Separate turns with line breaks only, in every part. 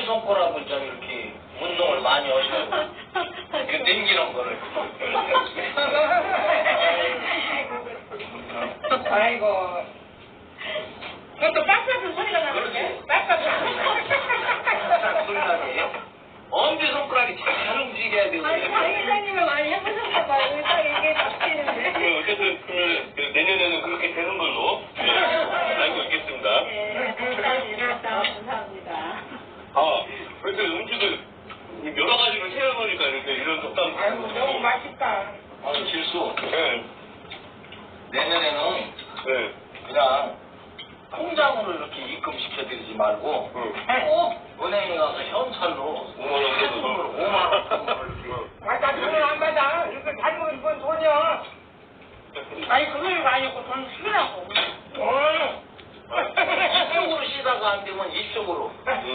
엄지손가락을 좀 이렇게 운동을 많이 하시고 그 당기는 거를
아이고. 그것도 빡빡한 소리가 나는데? 빡빡한
소리 나게 엄지손가락이 잘 움직여야 되고
아니, 장 회장님은 많이 해보셨나봐요. 딱 이게 바뀌는데.
어쨌든 그 내년에는 그렇게 되는 걸로 알고 있겠습니다.
네, 감사합니다.
아, 그래서 음식을 여러 가지로 해야 보니까 이렇게 이런 독담.
아이고, 너무 맛있다.
아니 실수
네.
내년에는
네.
그냥 통장으로 이렇게 입금시켜드리지 말고
응.
꼭 은행에 가서 현찰로
5만 원
세금으로 5만 원
맞아, 돈을 안 받아. 이거 잘못 입은 돈이야. 아니, 그걸 아니고 돈 쓰라고.
이쪽으로 쉬다가 안 되면 이쪽으로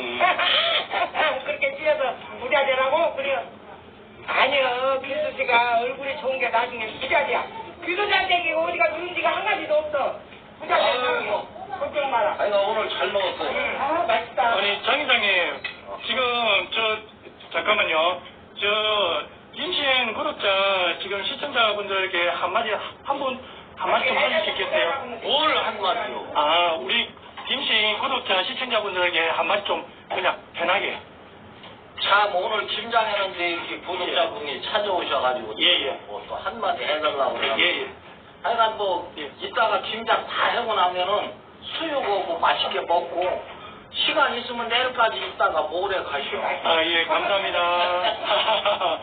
그렇게 찌어서 부자 되라고? 그래요. 아니요, 기수 씨가 얼굴이 좋은 게 나중에 부자지야. 기수자 되기 어디가 누군지가 한 가지도 없어. 부자 되라고. 걱정 마라.
아니 나 오늘 잘 먹었어요.
아, 맛있다.
아니, 장 회장님, 지금, 잠깐만요. 임신 구독자, 지금 시청자분들에게 한마디 좀 해주시겠어요?
뭘 한마디요?
아, 우리 임신 구독자, 시청자분들에게 한마디 좀 그냥 편하게.
참 오늘 김장했는데 이렇게 구독자분이 찾아오셔가지고
예.
또 한마디 해달라고 그래요.
예.
하여간 뭐 이따가 김장 다 하고 나면은 수육하고 맛있게 먹고 시간 있으면 내일까지 있다가 모레 가시오.
아, 예, 감사합니다.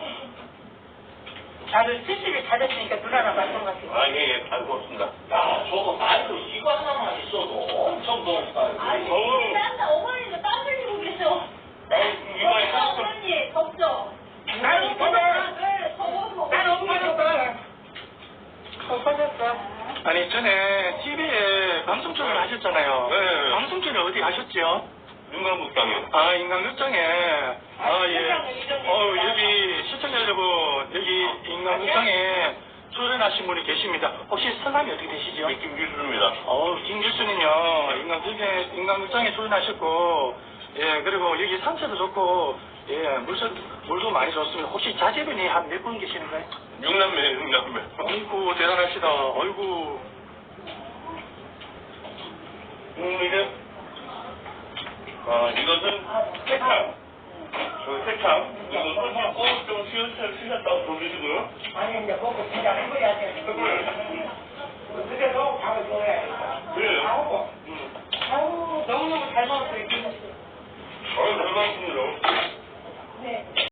다들 스시를 잘했으니까 누나랑 마찬가지고.
아, 예, 잘 먹었습니다.
야 저거 말로 이거 하나만 있어도 엄청 더웠다.
어머니도 땀 흘리고 계셔.
이마에
어머니 덥죠?
나는 더워.
네, 더워서.
난 엎어졌어. 엎어졌어.
아니, 전에 TV에 방송 출연을 하셨잖아요.
네.
방송 출연 어디 가셨지요?
윤관북당에.
아, 인간극장에. 아, 예. 여기 시청자 여러분, 여기 인간극장에 출연하신 분이 계십니다. 혹시 성함이 어떻게 되시죠?
김길수입니다.
김길수는요, 인간극장에 출연하셨고, 예, 그리고 여기 산세도 좋고, 예, 물도 많이 좋습니다. 혹시 자제분이 한 몇 분 계시는가요?
6남매.
아이고, 대단하시다. 아이고.
이제, 이것은 세창. 세창. 이거 손 좀 쉬셨다고 보내주고요.
아니, 이제 먹고 진짜 해버려야 돼. 그래도 밥을 줘야 돼.
네.
아우, 너무너무 잘 먹었어요, 기수 씨.
잘 먹었습니다.
네.